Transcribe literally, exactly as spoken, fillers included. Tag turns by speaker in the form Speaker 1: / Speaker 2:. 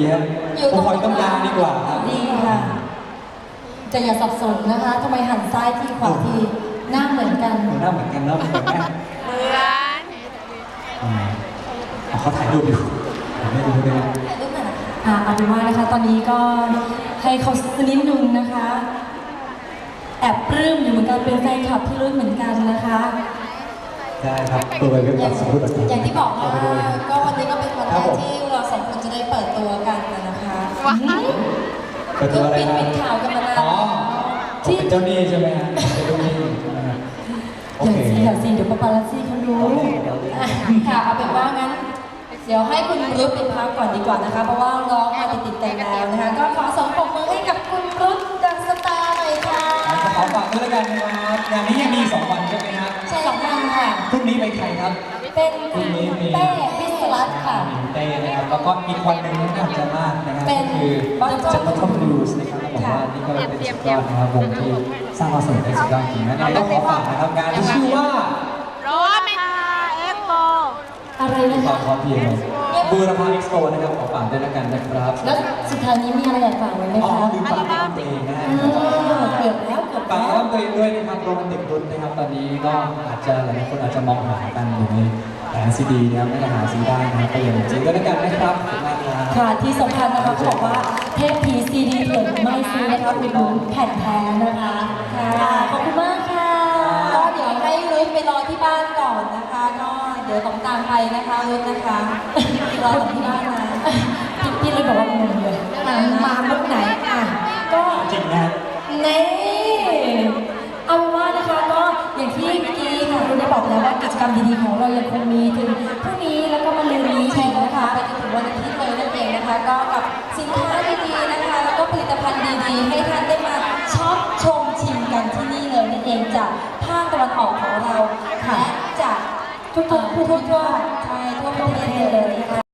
Speaker 1: ฮะผมคอยตรงกลางดีกว่าครับ
Speaker 2: ดีค่ะจะอย่าสับสนนะคะทำไมหันซ้ายทีขวาทีหน้าเหมือนกัน
Speaker 1: หน้าเหมือนกันเนาะเหมือนแม่เขาถ่ายรูปอยู่ไม่รู้เลย
Speaker 2: ถ่ายรูปหน่อยอ่าเอาเป็นว่านะคะตอนนี้ก็ให้เขาสนิดนึงนะคะแอบปลื้มอยู่เหมือนกันเป็นแฟนคลับพี่รุ่นเหมือนกันนะคะ
Speaker 1: ใช่ครับตัวไปเป็นแบบสมมติ
Speaker 2: อย่างที่บอกว่าก็วันนี้ก็เป็นวันแรกที่เราสองคนจะได้เปิดตัวกันนะคะ
Speaker 1: เปิดตัวอะไรนะ
Speaker 2: เป็นข่าวกันมานาน
Speaker 1: อ๋อที่เป็นเจ้าหนี้ใช่ไหมฮะเป็นเจ้าหนี้โอเค
Speaker 2: เดี๋ยวสิเดี๋ยวปาปารัสซี่เขารู้ค่ะเอาเป็นว่างั้นเดี๋ยวให้คุณรุ้เป็นพักก่อนดีกว่านะคะเพราะว่าร้องมาติดๆกันแล้วนะคะก็ขอส่งปรบมือให้กับคุณรุ้ดังสตาร์หน่อยค่ะ
Speaker 1: ขอฝากด้วยกันนะครับอย่างนี้ยังมีสองวันใช่ไหมครับ
Speaker 2: ใช่สองวันค่ะ
Speaker 1: พรุ่งนี้ไปใครครับ
Speaker 2: เป็นคุณเต้พิศรัตน์ค่ะ
Speaker 1: เต้นะครับแล้วก็อีกวันหนึ่งน่าจะมากนะครับคือจะมาทำบลูส์นะครับบอกว่านี่ก็เป็นสุดยอดนะครับวงที่สร้างความสนุกได้สุดยอดจริงนะก็ขอฝากนะครับงานที่ชื่อว่า
Speaker 3: โรเมคาเอ็กโป
Speaker 2: อะไรนะคะ
Speaker 1: ขอเพียงบูรพาเอ็กซ์โปนะครับขอฝากด้วยกันนะครับ
Speaker 2: แล้วสุดท้ายนี้มีอะไรอยากฝากไว้ไหมคะ
Speaker 1: อ๋อลืมฝากตัวเองนะ
Speaker 2: เกือบแล้วเกือบ
Speaker 1: ฝากตัวเองด้วยนะครับโรแมนติกรุ่นนะครับตอนนี้ก็อาจจะหลายคนอาจจะมองหากันอยู่ในแผงซีดีนะครับไม่ได้หาซื้อได้นะครับก็ยังจริงก็แล้วกันนะครับขอบคุณมากครับ
Speaker 2: ค่ะที่สำคัญนะคะเขาบอกว่าเทปผีซีดีเถื่อนไม่ซื้อนะคะอุดหนุนแผ่นแท้นะคะค่ะขอบคุณมากค่ะก็เดี๋ยวให้รุ่นไปรอที่บ้านก่อนนะคะก็เดี๋ยวต้องตามไปนะคะรุ่นนะคะรอที่บ้านนะพี่รุ่นบอกว่างงเลยมาเมื่อไหนอ่ะก็
Speaker 1: จริงนะ
Speaker 2: นี่เอาว่านะคะก็อย่างที่เมื่อกี้ค่ะคุณได้บอกแล้วว่ากิจกรรมดีๆของเรายังคงมีถึงพรุ่งนี้แล้วก็มะรืนนี้ใช่นะคะไปจนถึงวันอาทิตย์เลยนั่นเองนะคะก็กับสินค้าดีๆนะคะแล้วก็ผลิตภัณฑ์ดีๆให้ท่านได้มาช็อปชมชิมกันที่นี่เลยนั่นเองจากภาคตะวันออกของเราและจากทุกๆทั่วๆใช่ทั่วประเทศเลยนะคะ